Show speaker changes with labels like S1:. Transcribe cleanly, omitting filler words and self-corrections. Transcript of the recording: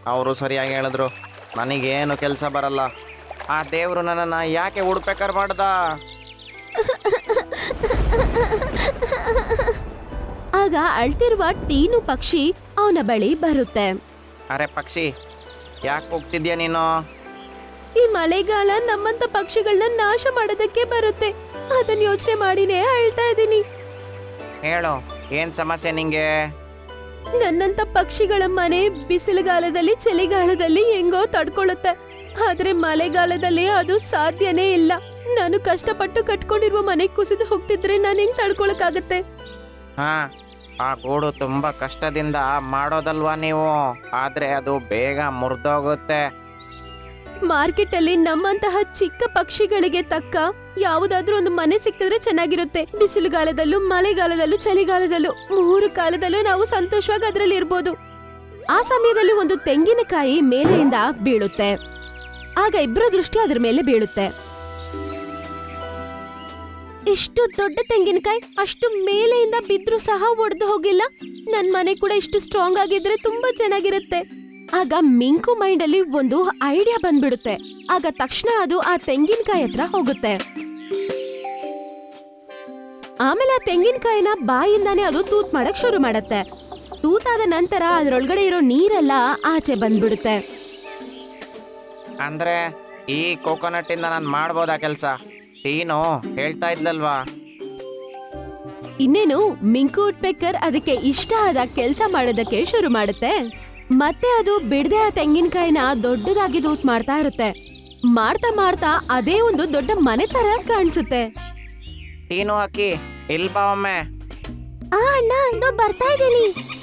S1: ಅವರು ಸರಿಯಾಗಿ ಹೇಳಿದ್ರು. ನನಗೇನು ಕೆಲಸ ಬರಲ್ಲ. ಆ ದೇವರು ನನ್ನನ್ನು ಯಾಕೆ ಹುಡ್ಬೇಕಾರ್ ಮಾಡ್ದ?
S2: ಆಗ ಅಳ್ತಿರುವ ಟೀನು ಪಕ್ಷಿ ಅವನ ಬಳಿ ಬರುತ್ತೆ.
S1: ಅರೆ ಪಕ್ಷಿ, ಯಾಕೆ ಹೋಗ್ತಿದ್ಯಾ ನೀನು?
S2: ಈ ಮಳೆಗಾಲ ನಮ್ಮಂತ ಪಕ್ಷಿಗಳನ್ನ ನಾಶ ಮಾಡೋದಕ್ಕೆ ಬರುತ್ತೆ. ಅದನ್ನ ಯೋಚನೆ ಮಾಡಿನೇ ಅಳ್ತಾ ಇದ್ದೀನಿ.
S1: ಹೇಳು, ಏನು ಸಮಸ್ಯೆ ನಿಂಗೆ?
S2: ನನ್ನಂತ ಪಕ್ಷಿಗಳ ಮನೆ ಬಿಸಿಲುಗಾಲದಲ್ಲಿ ಚಳಿಗಾಲದಲ್ಲಿ ಹೆಂಗೋ ತಡ್ಕೊಳ್ಳುತ್ತೆ, ಆದ್ರೆ ಮಳೆಗಾಲದಲ್ಲಿ ಅದು ಸಾಧ್ಯನೇ ಇಲ್ಲ. ನಾನು ಕಷ್ಟಪಟ್ಟು ಕಟ್ಕೊಂಡಿರುವ ಮನೆ ಕುಸಿದು ಹೋಗ್ತಿದ್ರೆ ನಾನು ಹೆಂಗ್ ತಡ್ಕೊಳಕ್ಕಾಗತ್ತೆ?
S1: ಹಾಂ, ಆ ಗೂಡು ತುಂಬ ಕಷ್ಟದಿಂದ ಮಾಡೋದಲ್ವಾ ನೀವು, ಆದರೆ ಅದು ಬೇಗ ಮುರಿದೋಗುತ್ತೆ.
S2: ಮಾರ್ಕೆಟ್ ಅಲ್ಲಿ ನಮ್ಮಂತಹ ಚಿಕ್ಕ ಪಕ್ಷಿಗಳಿಗೆ ತಕ್ಕ ಯಾವುದಾದ್ರೂ ಒಂದು ಮನೆ ಸಿಕ್ಕಿದ್ರೆ ಚೆನ್ನಾಗಿರುತ್ತೆ. ಬಿಸಿಲುಗಾಲದಲ್ಲೂ ಮಳೆಗಾಲದಲ್ಲೂ ಚಳಿಗಾಲದಲ್ಲೂ 3 ಕಾಲದಲ್ಲೂ ನಾವು ಸಂತೋಷವಾಗಿ ಅದರಲ್ಲಿ ಇರ್ಬೋದು. ಆ ಸಮಯದಲ್ಲಿ ಒಂದು ತೆಂಗಿನಕಾಯಿ ಮೇಲೆಯಿಂದ ಬೀಳುತ್ತೆ. ಆಗ ಇಬ್ಬರ ದೃಷ್ಟಿ ಅದ್ರ ಮೇಲೆ ಬೀಳುತ್ತೆ. ಇಷ್ಟು ದೊಡ್ಡ ತೆಂಗಿನಕಾಯಿ ಅಷ್ಟು ಮೇಲೆಯಿಂದ ಬಿದ್ರೂ ಸಹ ಒಡೆದು ಹೋಗಿಲ್ಲ. ನನ್ ಮನೆ ಕೂಡ ಇಷ್ಟು ಸ್ಟ್ರಾಂಗ್ ಆಗಿದ್ರೆ ತುಂಬಾ ಚೆನ್ನಾಗಿರುತ್ತೆ. ಆಗ ಮಿಂಕು ಮೈಂಡ್ ಅಲ್ಲಿ ಒಂದು ಐಡಿಯಾ ಬಂದ್ಬಿಡುತ್ತೆ. ಆಗ ತಕ್ಷಣ ಅದು ಆ ತೆಂಗಿನಕಾಯಿ ಹತ್ರ ಹೋಗುತ್ತೆ. ಆಮೇಲೆ ಆ ತೆಂಗಿನಕಾಯಿನ ಬಾಯಿಂದಾನೆ ಅದು ತೂತ್ ಮಾಡಕ್ ಶುರು ಮಾಡತ್ತೆ. ತೂತಾದ ನಂತರ ಅದ್ರೊಳಗಡೆ ಇರೋ ನೀರೆಲ್ಲ ಆಚೆ ಬಂದ್ಬಿಡುತ್ತೆ.
S1: ಅಂದ್ರೆ ಈ ಕೋಕೋನಟ್ ಇಂದ ನಾನು ಮಾಡ್ಬೋದಾ ಕೆಲಸ? ಟೀನು ಹೇಳ್ತಾ ಇದ್ಲಲ್ವಾ?
S2: ಇನ್ನೇನು ಮಿಂಕು ವುಡ್ಪೆಕರ್ ಅದಕ್ಕೆ ಇಷ್ಟ ಆದ ಕೆಲಸ ಮಾಡೋದಕ್ಕೆ ಶುರು ಮಾಡುತ್ತೆ. ಮತ್ತೆ ಅದು ಬಿಡದೆ ಆ ತೆಂಗಿನಕಾಯಿನ ದೊಡ್ಡದಾಗಿ ತೂತ್ ಮಾಡ್ತಾ ಇರುತ್ತೆ. ಮಾಡ್ತಾ ಮಾಡ್ತಾ ಅದೇ ಒಂದು ದೊಡ್ಡ ಮನೆ ತರ ಕಾಣಿಸುತ್ತೆ.
S1: ಟೀನು ಹಾಕಿ ಇಲ್ ಬಾ ಒಮ್ಮೆ.
S2: ಅಣ್ಣ ಬರ್ತಾ ಇದ್ದೀನಿ.